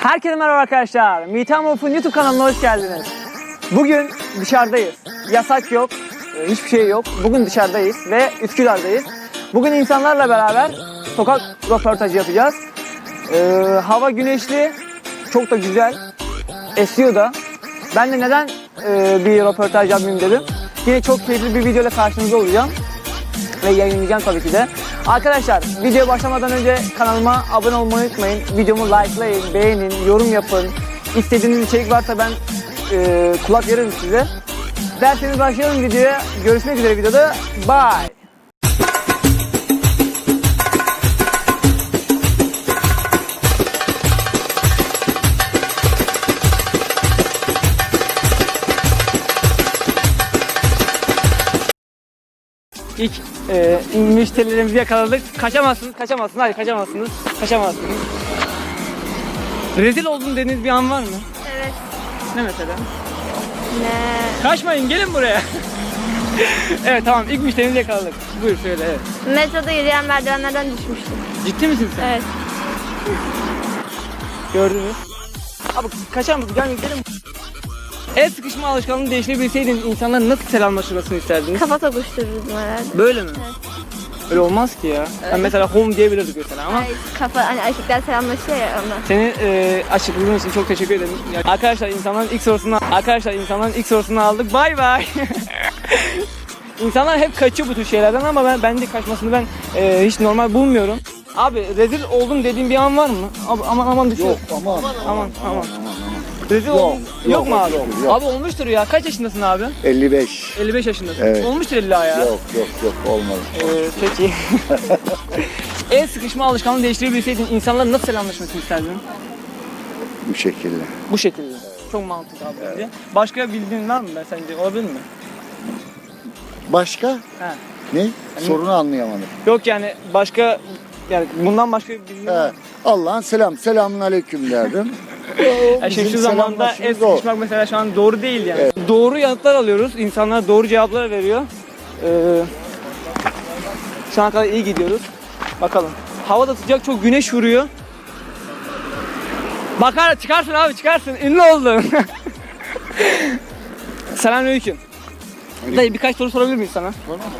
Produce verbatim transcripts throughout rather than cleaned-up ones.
Herkese merhaba arkadaşlar. Meetamorph'un YouTube kanalına hoş geldiniz. Bugün dışarıdayız. Yasak yok, hiçbir şey yok. Bugün dışarıdayız ve Üsküdar'dayız. Bugün insanlarla beraber sokak röportajı yapacağız. Ee, hava güneşli, çok da güzel. Esiyor da. Ben de neden e, bir röportaj yapmayayım dedim. Yine çok keyifli bir videoyla karşınızda olacağım. Ve yayınlayacağım tabii ki de. Arkadaşlar videoya başlamadan önce kanalıma abone olmayı unutmayın. Videomu likelayın, beğenin, yorum yapın. İstediğiniz içerik varsa ben e, kulak veririm size. Derseniz başlayalım videoya. Görüşmek üzere videoda. Bye. İlk e, müşterilerimizi yakaladık. Kaçamazsınız, kaçamazsınız. Hayır, kaçamazsınız. Kaçamazsınız. Rezil oldum dediğiniz bir an var mı? Evet. Ne mesela? Ne? Kaçmayın, gelin buraya. Evet, tamam. İlk müşterimizi yakaladık. Buyur söyle, evet. Metroda yürüyen merdivenlerden düşmüştüm. Ciddi misin sen? Evet. Gördünüz. Abi kaçar mısın? Gel gidelim. El sıkışma alışkanlığını değiştirebilseydin insanların nasıl selamlaşmasını isterdiniz? Kafa tokuştururdum herhalde. Böyle mi? Evet. Öyle olmaz ki ya. Ben mesela home diyebilirdik mesela ama. Ay, kafa, hani erkekler selamlaşıyor ya ondan. Seni e, açıkladığın için çok teşekkür ederim. Ya, arkadaşlar insanların ilk sorusunu arkadaşlar insanların ilk sorusunu aldık. Bay bay. İnsanlar hep kaçıyor bu tür şeylerden ama ben bence kaçmasını ben e, hiç normal bulmuyorum. Abi rezil oldum dediğin bir an var mı? Abi, aman aman düşüyor. Yok aman Aman aman. aman. Rezil Yok, oldum. Yok, yok, mu abi? yok, yok. Abi olmuştur ya. Kaç yaşındasın abi? elli beş. elli beş yaşındasın. Evet. Olmuştur illa ya. Yok yok yok olmadı. Ee, peki. El sıkışma alışkanlığını değiştirebilseydin insanların nasıl selamlaşmasını isterdin? Bu şekilde. Bu şekilde. Çok mantıklı abi bence. Başka bildiğin var mı ben sence? Olabilir mi? Başka? He. Ne? Sorunu anlayamadım. Yok yani başka yani bundan başka bir bildiğin var He. mı? Allah'ın selam. Selamun aleyküm derdim. Yani şimdi Bizim şu zamanda el selamlaşmamız o. sıkışmak mesela şu an doğru değil yani. Doğru yanıtlar alıyoruz. İnsanlar doğru cevaplar veriyor. Ee, şu ana kadar iyi gidiyoruz. Bakalım. Hava da sıcak, çok güneş vuruyor. Bakar çıkarsın abi çıkarsın. Ünlü oldun. Selamünaleyküm. Dayı birkaç soru sorabilir miyiz sana?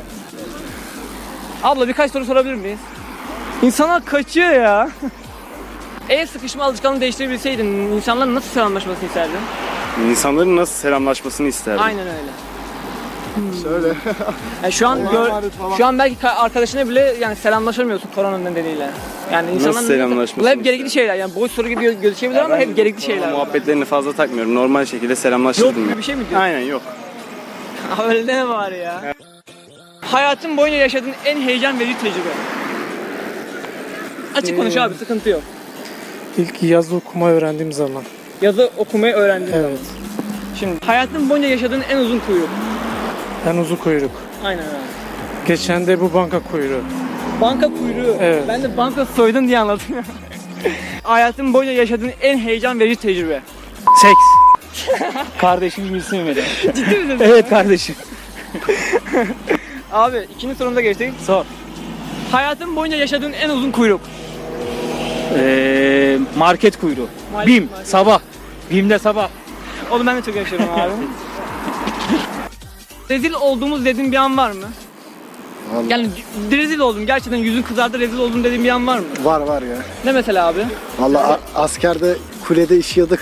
Abla birkaç soru sorabilir miyiz? İnsanlar kaçıyor ya. El sıkışma alışkanlığını değiştirebilseydin insanların nasıl selamlaşmasını isterdin? İnsanların nasıl selamlaşmasını isterdim? Aynen öyle. Söyle. Yani şu an Allah'a gör, emanet falan. şu an belki ka- arkadaşına bile yani selamlaşamıyorsun korona nedeniyle. Yani insanların selamlaşmasını bu hep gerekli isterdim? şeyler. Yani boş soru gibi gö- gözükebilir ama hep gerekli şeyler. Muhabbetlerini fazla takmıyorum. Normal şekilde selamlaşırdım. Yok gibi ya. bir şey mi diyorsun? Aynen yok. Öyle deme bari ya. Hayatın boyunca yaşadığın en heyecan verici tecrübe. Açık konuş abi, sıkıntı yok. İlk yazı okuma öğrendiğim zaman. Yazı okumayı öğrendin. Evet. Şimdi hayatın boyunca yaşadığın en uzun kuyruk. En uzun kuyruk. Aynen öyle. Geçen de bu banka kuyruğu. Banka kuyruğu. Evet. Ben de banka soydun diye anladım. Hayatın boyunca yaşadığın en heyecan verici tecrübe. Seks. Kardeşim bilsin beni. Ciddi misin? Evet kardeşim. Abi ikinci sorumuza geçtik. Sor. Hayatın boyunca yaşadığın en uzun kuyruk. Ee, market kuyruğu. Market- Bim. market. Sabah. Bim'de sabah. Onu ben de çok yaşıyorum abi. Rezil olduğumuz dediğin bir an var mı? Vallahi. Yani rezil oldum gerçekten yüzün kızardı rezil oldum dediğin bir an var mı? Var var ya. Ne mesela abi? Valla askerde kulede işiyorduk.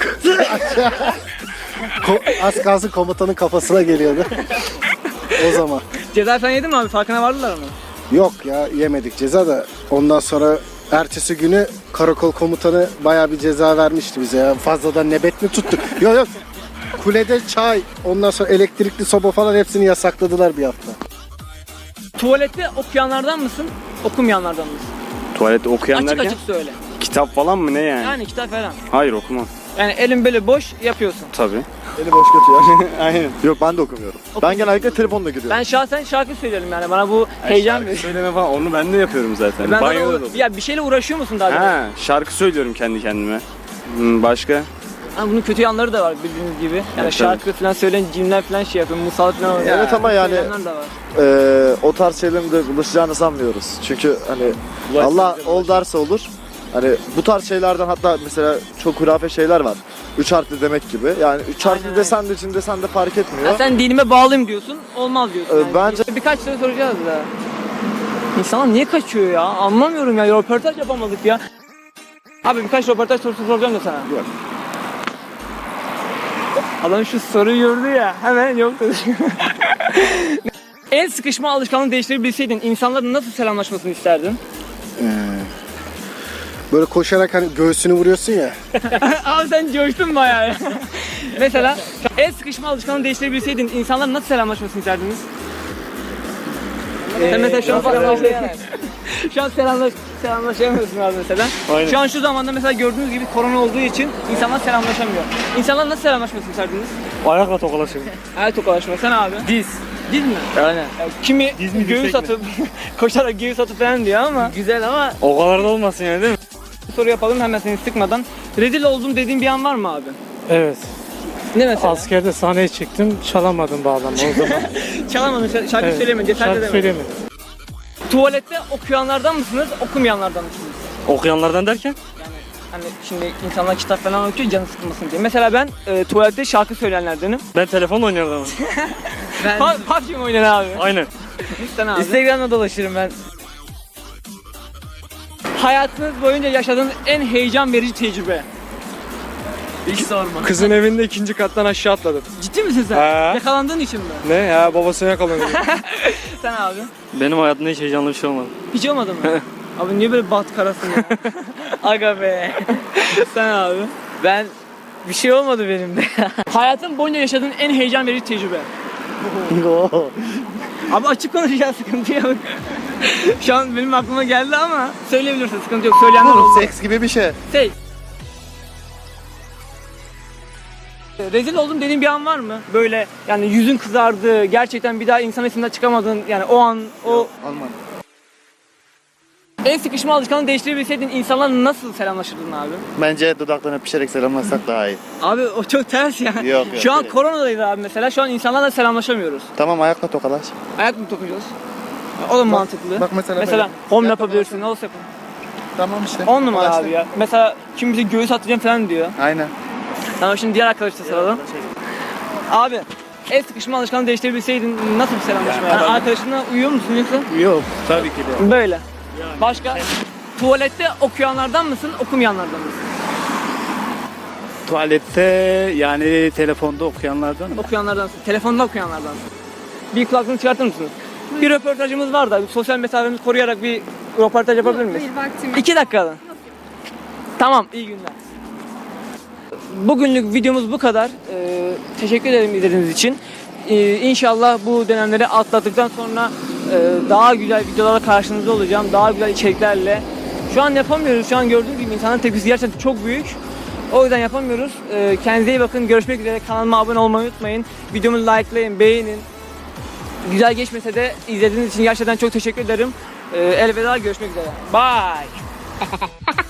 Ko- az kalsın komutanın kafasına geliyordu. O zaman. Ceza falan yedin mi abi? Farkına vardılar mı? Yok ya yemedik ceza da ondan sonra ertesi günü karakol komutanı bayağı bir ceza vermişti bize ya. Fazladan nöbet mi tuttuk? Yok yok. Kulede çay, ondan sonra elektrikli soba falan hepsini yasakladılar bir hafta. Tuvalette okuyanlardan mısın? Okumayanlardan mısın? Tuvalette okuyan Açık derken açık söyle. kitap falan mı ne yani? Yani kitap falan. Hayır okumam. Yani elin böyle boş yapıyorsun. Tabii. Eli boş götü ya. Aynen. Yok ben de okumuyorum. Ben genellikle telefonla giriyorum. Ben şahsen şarkı söylerim yani bana bu heyecan Şarkı veriyor. söyleme falan onu ben de yapıyorum zaten. Ben Banyoda zaten da. o- ya bir şeyle uğraşıyor musun daha önce? Ha, şarkı söylüyorum kendi kendime. Hmm, başka? Ha, bunun kötü yanları da var bildiğiniz gibi. Yani Evet, şarkı falan söyleyen cimler falan şey yapıyor. Musallat falan oluyor. Evet ama yani Söyleyenler de var. eee, o tarz şeylerin de bulaşacağını sanmıyoruz. Çünkü hani Allah ol derse olur, Hani bu tarz şeylerden hatta mesela çok hurafe şeyler var. Üç harfli demek gibi. Yani üç harfli Aynen, desen de için desen de fark etmiyor. Ya sen dinime bağlıyım diyorsun, olmaz diyorsun. Ee, yani. bence- Birkaç soru soracağız da. İnsanlar niye kaçıyor ya? Anlamıyorum ya, röportaj yapamadık ya. Abi birkaç röportaj sorusu soracağım da sana. Yok. Adam şu soruyu gördü ya, hemen yok dedi. El sıkışma alışkanlığını değiştirebilseydin insanların nasıl selamlaşmasını isterdin? Böyle koşarak hani göğsünü vuruyorsun ya. Abi sen coştun bayağı ya. Mesela el sıkışma alışkanlığını değiştirebilseydin insanların nasıl selamlaşmasını isterdiniz? Sen mesela şu an selamlaşamıyorsun. Şu an selamlaş, selamlaşamıyorsun abi mesela. Aynen. Şu an şu zamanda mesela gördüğünüz gibi korona olduğu için insanlar selamlaşamıyor. İnsanlar nasıl selamlaşmasını isterdiniz? Ayakla tokalaşır. El tokalaşma. Sen abi? Diz. Diz mi? Aynen. Ya kimi Diz mi, göğüs dirsek mi? atıp koşarak göğüs atıp falan diyor ama güzel ama O kadar da olmasın yani, değil mi? soru yapalım hemen seni sıkmadan. Rezil oldum dediğin bir an var mı abi? Evet. Ne mesela? Askerde sahneye çıktım, çalamadım bağlama o zaman. Çalamadın, şarkı şarkı Evet. söyleyemedin, cesaret Şarkı edemedin. söyleyemedim. Tuvalette okuyanlardan mısınız, okumayanlardan mısınız? Okuyanlardan derken? Hani şimdi insanlar kitap falan okuyor canı sıkılmasın diye. Mesela ben e, tuvalette şarkı söyleyenlerdenim. Ben telefonla oynuyorum ama. Ben... Pa P U B G mi oynuyorsun abi? Aynen. Sen abi. Instagram'da dolaşırım ben. Hayatınız boyunca yaşadığınız en heyecan verici tecrübe. Hiç sorma. Kızın evinde ikinci kattan aşağı atladım. Ciddi misin sen? He. Yakalandığın için mi? Ne ya, babasına yakalanıyor. Sen abi. Benim hayatımda hiç heyecanlı bir şey olmadı. Hiç olmadı mı? Abi niye böyle bat karasın ya? Aga be. Sen abi. Ben bir şey olmadı benim de. Hayatın boyunca yaşadığın en heyecan verici tecrübe. Abi açık konuş ya, sıkıntı yok. Şu an benim aklıma geldi ama söyleyebilirsin, sıkıntı yok. Söyleyenler oldu. Seks gibi bir şey. Şey. Rezil oldum dediğin bir an var mı? Böyle yani yüzün kızardı, gerçekten bir daha insan içinden çıkamadın. Yani o an, o... Alman. El sıkışma alışkanlığını değiştirebilseydin insanlarla nasıl selamlaşırdın abi? Bence dudaktan öpüşerek selamlaşsak daha iyi. Abi o çok ters yani. Yok, yok, Şu an direkt. koronadayız abi mesela. Şu an insanlarla selamlaşamıyoruz. Tamam, ayakla tokalaş. Ayak mı tokacağız? O da mantıklı. bak mesela mesela böyle. home Ayak yapabilirsin. Ne olsa yapın. Tamam işte. On numara Tokalaştık. abi ya. Mesela kim bize göğüs atacağım falan diyor. Aynen. Tamam, şimdi diğer arkadaşla soralım. Abi el sıkışma alışkanlığını değiştirebilseydin nasıl bir selamlaşma? Yani arkadaşınla uyuyor musun yoksa? Yok tabii ki de. Böyle. Başka? Tuvalette okuyanlardan mısın, okumayanlardan mısın? Tuvalette yani telefonda okuyanlardan mı? Okuyanlardansın. Telefonda okuyanlardansın. Bir kulaklığını çıkartır mısınız? Bir röportajımız var da sosyal mesafemizi koruyarak bir röportaj yapabilir miyiz? Bir vaktim. İki dakika. Tamam, iyi günler. Bugünlük videomuz bu kadar. Ee, teşekkür ederim izlediğiniz için. Ee, İnşallah bu dönemleri atlattıktan sonra e, daha güzel videolarla karşınızda olacağım. Daha güzel içeriklerle. Şu an yapamıyoruz. Şu an gördüğünüz gibi insanların tepkisi gerçekten çok büyük. O yüzden yapamıyoruz. Ee, kendinize iyi bakın. Görüşmek üzere. Kanalıma abone olmayı unutmayın. Videomu likelayın, beğenin. Güzel geçmese de izlediğiniz için gerçekten çok teşekkür ederim. Ee, elveda, görüşmek üzere. Bye.